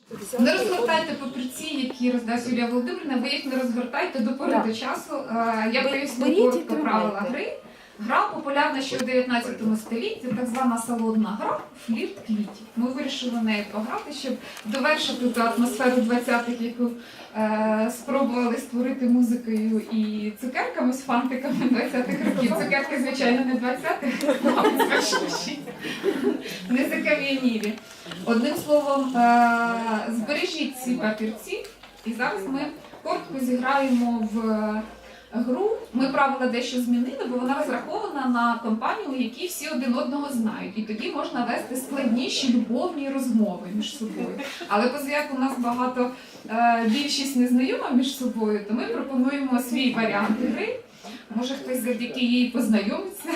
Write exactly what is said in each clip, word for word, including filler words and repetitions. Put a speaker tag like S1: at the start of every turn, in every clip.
S1: Не розгортайте папірці, які роздасть Юлія Володимирівна, ви їх не розгортайте до пори до часу. Я поясню коротко правила гри. Гра популярна ще у дев'ятнадцятому столітті, так звана салонна гра «Флірт квітів». Ми вирішили нею пограти, щоб довершити ту атмосферу двадцятих, яку е, спробували створити музикою і цукерками з фантиками двадцятих років. Цукерки, звичайно, не двадцятих, а смачніші, не закам'янілі. Одним словом, е, збережіть ці папірці, і зараз ми коротко зіграємо в гру. Ми правила дещо змінили, бо вона розрахована на компанію, у якій всі один одного знають. І тоді можна вести складніші любовні розмови між собою. Але оскільки у нас багато, е, більшість не знайома між собою, то ми пропонуємо свій варіант гри. Може хтось завдяки їй познайомиться.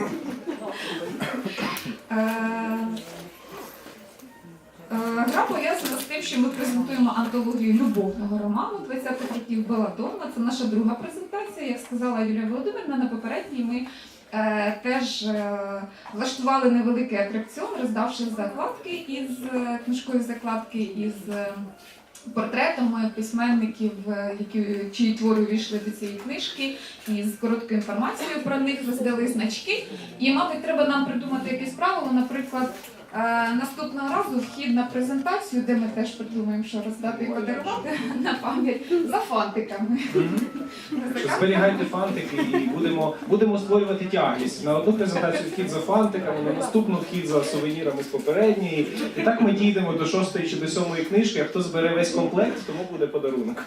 S1: Гра пов'язана з тим, що ми презентуємо антологію любовного роману двадцятих років Беладонна. Це наша друга презентація. Як сказала Юлія Володимирівна, на попередній ми е, теж е, влаштували невеликий атракціон, роздавши закладки із е, книжкові закладки із е, портретами письменників, які, чиї твори увійшли до цієї книжки, і з короткою інформацією про них роздали значки. І, мабуть, треба нам придумати якесь правило, наприклад, Е, наступного разу вхід на презентацію, де ми теж придумаємо, що роздати і подарувати на пам'ять, за фантиками.
S2: Mm-hmm. Зберігайте фантики і будемо, будемо створювати тягність. На одну презентацію вхід за фантиками, на наступну вхід за сувенірами з попередньої. І так ми дійдемо до шостої чи до сьомої книжки, а хто збере весь комплект, тому буде подарунок.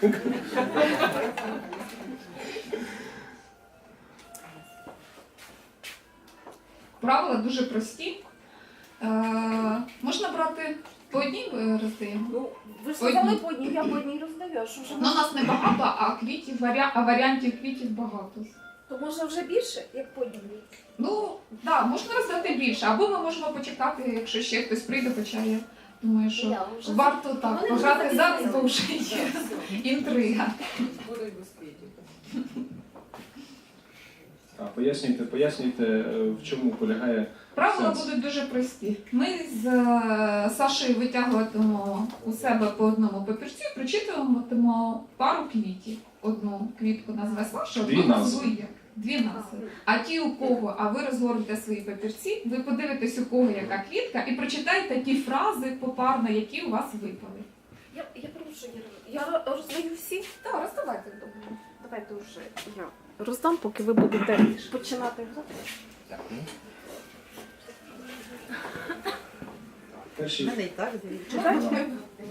S1: Правила дуже прості. Е, можна брати по одній роздаємо?
S3: Ну, ви ж сказали по одній, я по одній роздаю. Що вже
S1: ну, у нас не багато, а квітів, варіа... а варіантів квітів багато.
S3: То можна вже більше, як по одній?
S1: Ну, так, да, можна роздати більше, або ми можемо почекати, якщо ще хтось прийде, хоча я думаю, що я, варто так пограти зараз, бо вже є інтрига.
S2: А, пояснюйте, пояснюйте, в чому полягає
S1: Правила
S2: сенс.
S1: будуть дуже прості. Ми з Сашею витягуватимемо у себе по одному папірцю, прочитуватимемо пару квітів. Одну квітку назве Саша, одну назву я. Дві назви. А ті, у кого, а ви розгорнете свої папірці, ви подивитесь, у кого яка квітка, і прочитайте ті фрази попарно, які у вас випали.
S3: Я, я прошу, я, я роздаю всі?
S1: Так, роздавайте.
S3: Давайте вже я роздам, поки ви будете починати грати.
S2: Перший.
S4: Мене і так
S3: Читайте?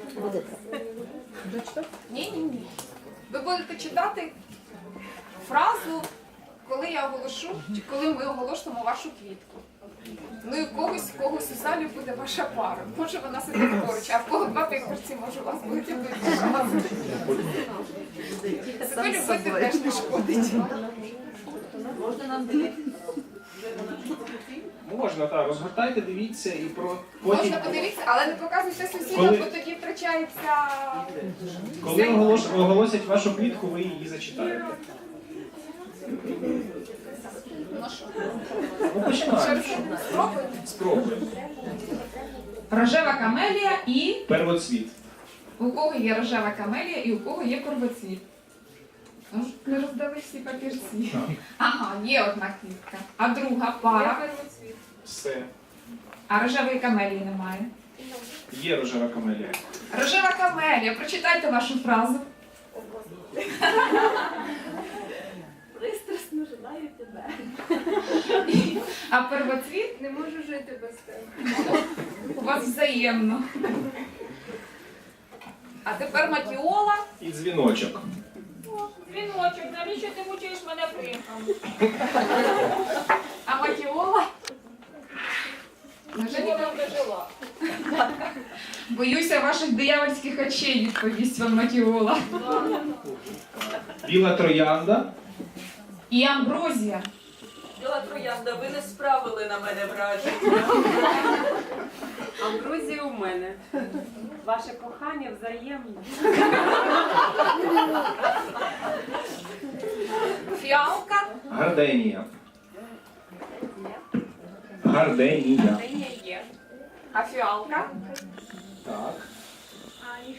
S1: Ні, ні, ні. Ви будете читати фразу, коли я оголошу, чи коли ми оголошуємо вашу квітку. Ну і в когось, в когось у залі буде ваша пара. Може вона сидить поруч, а в кого два папірці, може у вас будуть обидві фрази. Себе любити теж не шкодить.
S4: можна нам дивитися?
S2: Можна, так, розгортайте, дивіться і про потім.
S1: Можна подивитися, але не показуйте сусідам,
S2: Коли-
S1: бо тоді втрачається...
S2: Коли оголос... оголосять вашу квітку, ви її зачитаєте.
S1: Ну що?
S2: Ну, починаємо.
S1: Спробуємо.
S2: Спробуємо.
S1: Рожева камелія і...
S2: Первоцвіт.
S1: У кого є рожева камелія і у кого є первоцвіт. Ну, не роздали всі папірці.
S2: Так.
S1: Ага, є одна квітка. А друга пара.
S2: Все.
S1: А рожевої камелії немає.
S2: Є рожева камелія.
S1: Рожева камелія. Прочитайте вашу фразу.
S3: Пристрасно жадаю тебе.
S1: А первоцвіт
S3: Не можу жити без тебе.
S1: у вас взаємно. А тепер матіола.
S2: І дзвіночок.
S1: Дзвіночок, навіщо ти мучиш мене примхом? А матіола? Вже ніколи не жила. Боюся ваших диявольських очей, відповість вам матіола.
S2: Біла троянда.
S1: І амброзія.
S4: Біла троянда, ви не справили на мене враження.
S5: Амброзія у мене. Ваше кохання взаємне.
S1: Фіалка.
S2: Гарденія. Гарденія.
S5: Це є є.
S1: А фіалка?
S2: Так.
S5: А і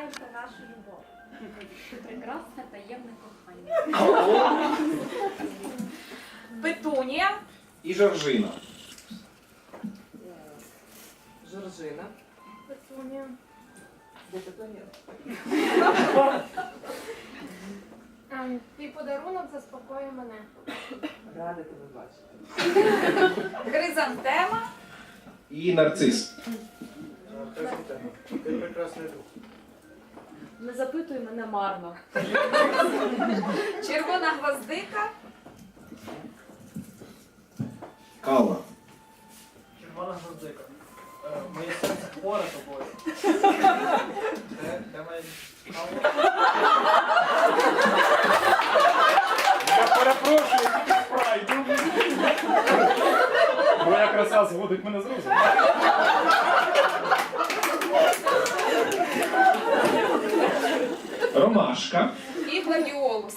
S5: знаєте нашу любов. Прекрасне таємне кохання.
S1: Петунія.
S2: І Жоржина.
S6: Жоржина.
S5: Петунія.
S6: Де Петунія?
S5: Ем, Твій подарунок заспокоює мене.
S6: Рада тебе бачити.
S1: Хризантема.
S2: І нарцис.
S7: Ти прекрасний друг.
S6: Не запитуй мене марно.
S1: Червона гвоздика.
S2: Калла.
S7: Червона гвоздика. Е, Моє серце хворе тобою. Де, де моя кава?
S8: Я перепрошую, тільки спрайду. Моя краса зводить мене з розуму.
S2: Ромашка.
S1: І гладіолус.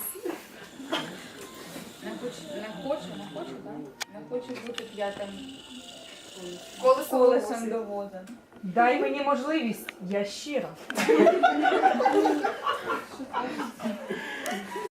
S9: Не хочу, не хочу, не хочу, так? Не хочу бути п'ятим
S1: Колесо
S9: колесом
S1: волосся.
S9: до води.
S10: Дай мені можливість, я щира.